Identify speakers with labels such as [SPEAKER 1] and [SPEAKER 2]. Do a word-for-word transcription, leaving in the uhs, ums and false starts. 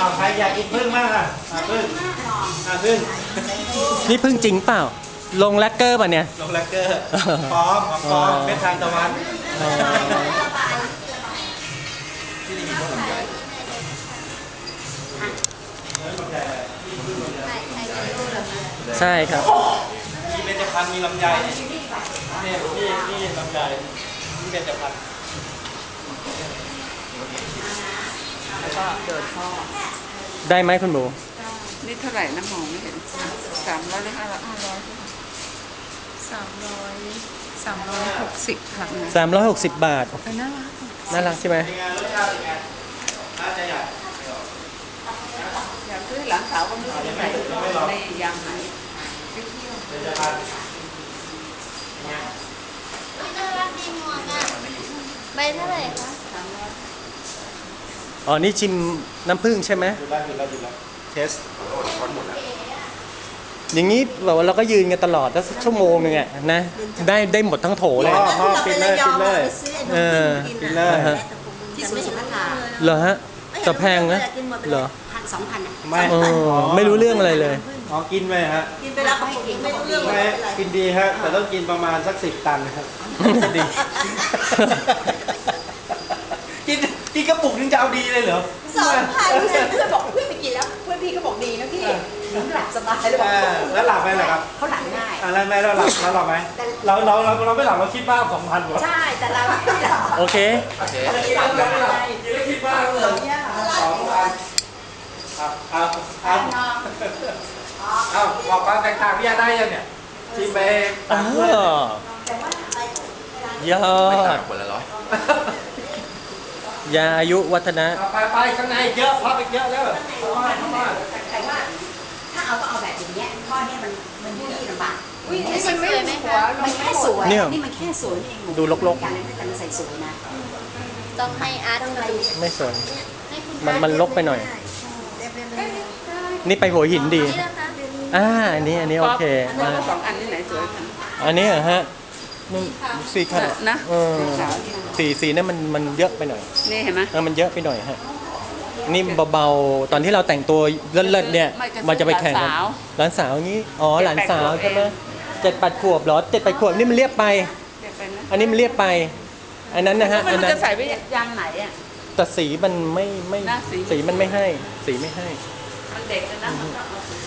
[SPEAKER 1] เอาใครอยากกินพึ่งบ้างอ่ะอ่ะพึ่งอ่ะพึ่ง
[SPEAKER 2] นี่พึ่งจริงเปล่า ลงแลกเกอร์ป่ะเนี่ย
[SPEAKER 1] ลงแลกเกอร์พร้อมของพร้อมเป็นทางตะวัน
[SPEAKER 2] ใช่ครับ
[SPEAKER 1] มีเบญจพรรณมีลำไยเนี่ยนี่นี่นี่ลำไยนี่เบญจพรรณ
[SPEAKER 3] แล้วก็เดินท่อ
[SPEAKER 2] ได้ไหมคุณหมู
[SPEAKER 3] นี่เท่าไหร่นะมองไม่เห็นสามร้อยหรือห้าร้อยห้าร้อย
[SPEAKER 4] สามร้อยสามร้อยหกสิบค่ะ
[SPEAKER 2] สามร้อยหกสิบบาท
[SPEAKER 4] เออน่ารัก
[SPEAKER 2] น่ารักใช่ไหม
[SPEAKER 1] เป็นไงรสชาติเป็นไงน่าจะใหญ่
[SPEAKER 3] อยากซื้อหลานสาวก็ไม่รู้ไหนในยางไหน
[SPEAKER 1] เบญจพรรณ
[SPEAKER 5] น่ารักดีหมวกอ่ะใบเท่าไหร่คะ
[SPEAKER 2] อ๋อ นี่ชิมน้ำผึ้งใช่ไหม
[SPEAKER 1] หยุดแล้วหยุดแล้วหยุดแล้วเทส
[SPEAKER 2] อย่างนี้แบบว่าเราก็ยืนกันตลอดแล้วชั่วโมงนึงอะนะ ได้ได้หมดทั้งโถเลย
[SPEAKER 1] พ่อพ่อปิดเลยปิดเลย
[SPEAKER 2] เออ
[SPEAKER 1] ปิดเลย
[SPEAKER 5] ที่สวนสุขภา
[SPEAKER 2] เหรอฮะแต่แพงนะเหรอ
[SPEAKER 5] พันสองพันอ่ะ
[SPEAKER 1] ไม่
[SPEAKER 2] เออไม่รู้เรื่องอะไรเลย
[SPEAKER 1] อ๋อกินไปฮะ
[SPEAKER 5] กินไปแล้วเขาไม่กินไม่รู้เรื่อง
[SPEAKER 1] ไม่กินดีฮะแต่ต้องกินประมาณสักสิบตันนะครับจะดี กินกินกระปุกนึงจะเอาดีเลยเหรอ
[SPEAKER 5] สองพันเพื่อนบอกเพื่อนไปกินแล้วเพื่อนพี่ก็บอกดีนะพี่หลับสบายเลยบอก
[SPEAKER 1] อ่าแล้วหลับไหมล่ะครับ
[SPEAKER 5] เขาหลับง่าย
[SPEAKER 1] อ่าแล้วไม่เราหลับเราหลับไหมเราเราเราเราไม่หลับเราคิดบ้างสองพันกว่า
[SPEAKER 5] ใช่แต่เราไม่หลับ
[SPEAKER 2] โอเค
[SPEAKER 1] เราคิดบ้างเราไม่หลับกินแล้วคิดบ้างเลยสองพันครับครับครับเอาบอกความแตกต่างพี่ยาได้ยังเนี่ยชิมไป
[SPEAKER 2] อ๋อยอด
[SPEAKER 6] คนละร้อย
[SPEAKER 2] ยาอายุวัฒนะ
[SPEAKER 1] ไปไปข้างในเยอะพับอีกเยอะแล้วเข้ามาเข้ามา
[SPEAKER 5] แต่ว่าถ้าเอาก็เอาแบบอย่างเงี้ยข้อเนี้ยมันมันยุ่ยลำบาก
[SPEAKER 3] อุ้ยนี่มันไม่หัว
[SPEAKER 5] มันแค่สวย
[SPEAKER 2] เนี่ย
[SPEAKER 5] นี่มันแค่สวยนี่เอง
[SPEAKER 2] ดูรกๆ
[SPEAKER 5] การเล่นด้วยกันใส่สวยนะ
[SPEAKER 4] ต้องให้อาร์ต
[SPEAKER 5] ต้องอะไร
[SPEAKER 2] ไม่สน
[SPEAKER 4] ให้คุณ
[SPEAKER 2] มันมันลกไปหน่อย นี่ไปหัวหินดี
[SPEAKER 4] นี่นะคะ
[SPEAKER 2] อ่า อันนี้ อันนี้โอเค
[SPEAKER 3] อันนี้
[SPEAKER 2] อ่า
[SPEAKER 3] สองอันนี่ไหนสวยกัน
[SPEAKER 2] อันนี้เหรอฮะมันสีขาว
[SPEAKER 3] นะ
[SPEAKER 2] เออ
[SPEAKER 3] สีขาวนี่
[SPEAKER 2] สีสีนั่นมันมันเยอะไปหน่อย
[SPEAKER 3] นี่เห็นไหม
[SPEAKER 2] เออมันเยอะไปหน่อยฮะ นี่เบาๆ ตอนที่เราแต่งตัวเลิศๆเนี่ย
[SPEAKER 3] ไม่จะ
[SPEAKER 2] มันจะไปแข่งกัน
[SPEAKER 3] หลานสาว
[SPEAKER 2] หลานสาวอย่างนี้ อ๋อ หลานสาว
[SPEAKER 3] เจ็ดแปดขวบ
[SPEAKER 2] ใช่ไหมเจ็ดแปดขวบเหรอเจ็ดแปดขวบนี่มันเรียบไป
[SPEAKER 3] เดี๋ยวไปนะ
[SPEAKER 2] อันนี้มันเรียบไป อันนั้นนะฮะ
[SPEAKER 3] มั
[SPEAKER 2] อั
[SPEAKER 3] น
[SPEAKER 2] นนั้น
[SPEAKER 3] จะใส่ไว้ยางไหนอ่ะ
[SPEAKER 2] แต่สีมันไม่ไม่
[SPEAKER 3] นะสี
[SPEAKER 2] สีมันไม่ให้ สีไม่ให้
[SPEAKER 3] มันเด็กเลยนะมันต้องเอาสี